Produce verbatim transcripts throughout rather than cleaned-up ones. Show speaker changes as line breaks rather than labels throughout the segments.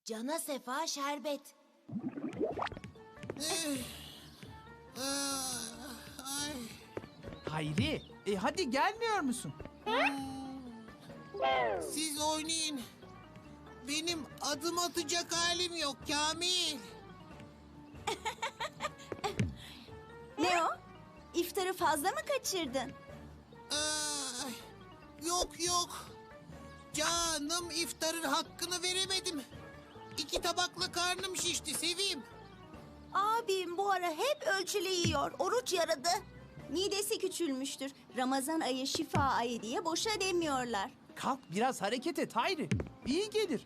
Cana sefa şerbet.
Ay.
Hayri, e hadi gelmiyor musun?
Siz oynayın. Benim adım atacak halim yok Kamil.
Ne o? İftarı fazla mı kaçırdın?
Ay, yok yok. Canım iftarın hakkını veremedim. İki tabakla karnım şişti Sevim.
Abim bu ara hep ölçülü yiyor. Oruç yaradı. Midesi küçülmüştür. Ramazan ayı şifa ayı diye boşa demiyorlar.
Kalk biraz hareket et Hayri. İyi gelir.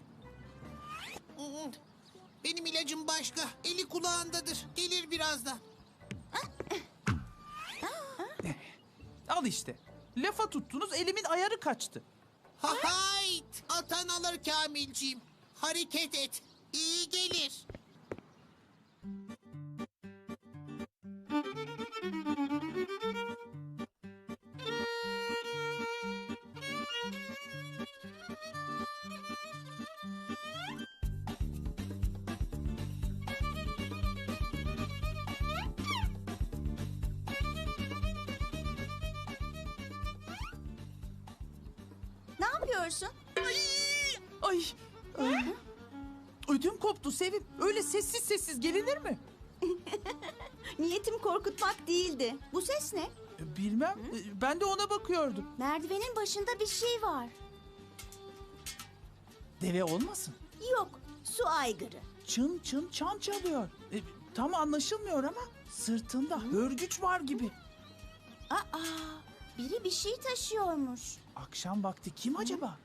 Benim ilacım başka. Eli kulağındadır. Gelir birazdan.
Al işte. Lafa tuttunuz elimin ayarı kaçtı.
Ha hayt! Atan alır Kamilciğim. Hareket et. İyi gelir.
Ne yapıyorsun?
Ay. Ay. Ödüm koptu Sevim. Öyle sessiz sessiz gelinir mi?
Niyetim korkutmak değildi. Bu ses ne?
E, Bilmem. E, Ben de ona bakıyordum.
Merdivenin başında bir şey var.
Deve olmasın?
Yok, su aygırı.
Çın çın çan çalıyor. E, tam anlaşılmıyor ama sırtında hörgüç var gibi.
Aa, biri bir şey taşıyormuş.
Akşam vakti kim acaba?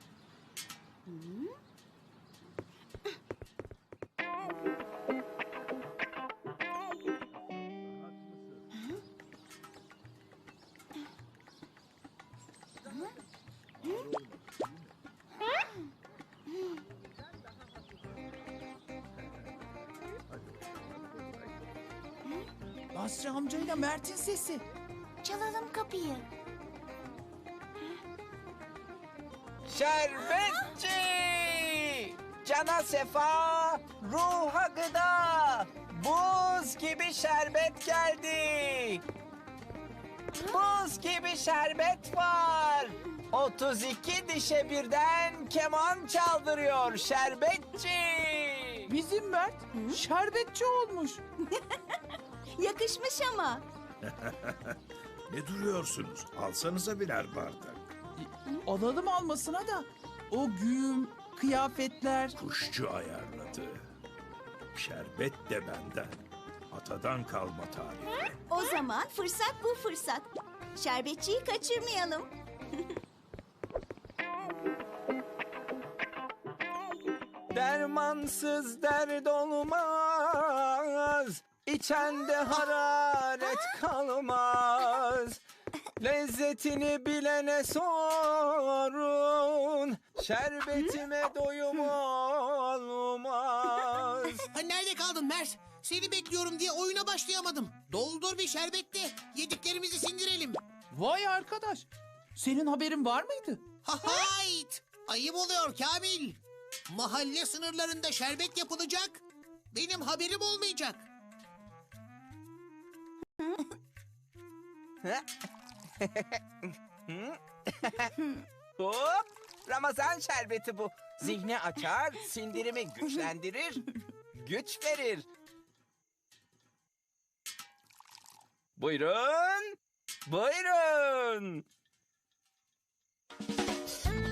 Basri amcayla Mert'in sesi.
Çalalım kapıyı.
Şerbetçi! Cana sefa, ruha gıda. Buz gibi şerbet geldi. Buz gibi şerbet var. otuz iki dişe birden keman çaldırıyor şerbetçi.
Bizim Mert şerbetçi olmuş.
Yakışmış ama.
Ne duruyorsunuz? Alsanıza birer bardak.
Alalım almasına da. O güğüm, kıyafetler.
Kuşçu ayarladı. Şerbet de benden. Atadan kalma tarifi.
O zaman fırsat bu fırsat. Şerbetçiyi kaçırmayalım.
Dermansız dert olmaz, içende hararet kalmaz. Lezzetini bilene sorun, şerbetime doyum olmaz.
Ha, nerede kaldın Mert? Seni bekliyorum diye oyuna başlayamadım. Doldur bir şerbet de yediklerimizi sindirelim.
Vay arkadaş. Senin haberin var mıydı?
Ha hayt! Ayıp oluyor Kamil. Mahalle sınırlarında şerbet yapılacak. Benim haberim olmayacak.
Hop! Ramazan şerbeti bu. Zihni açar, sindirimi güçlendirir, güç verir. Buyurun, buyurun.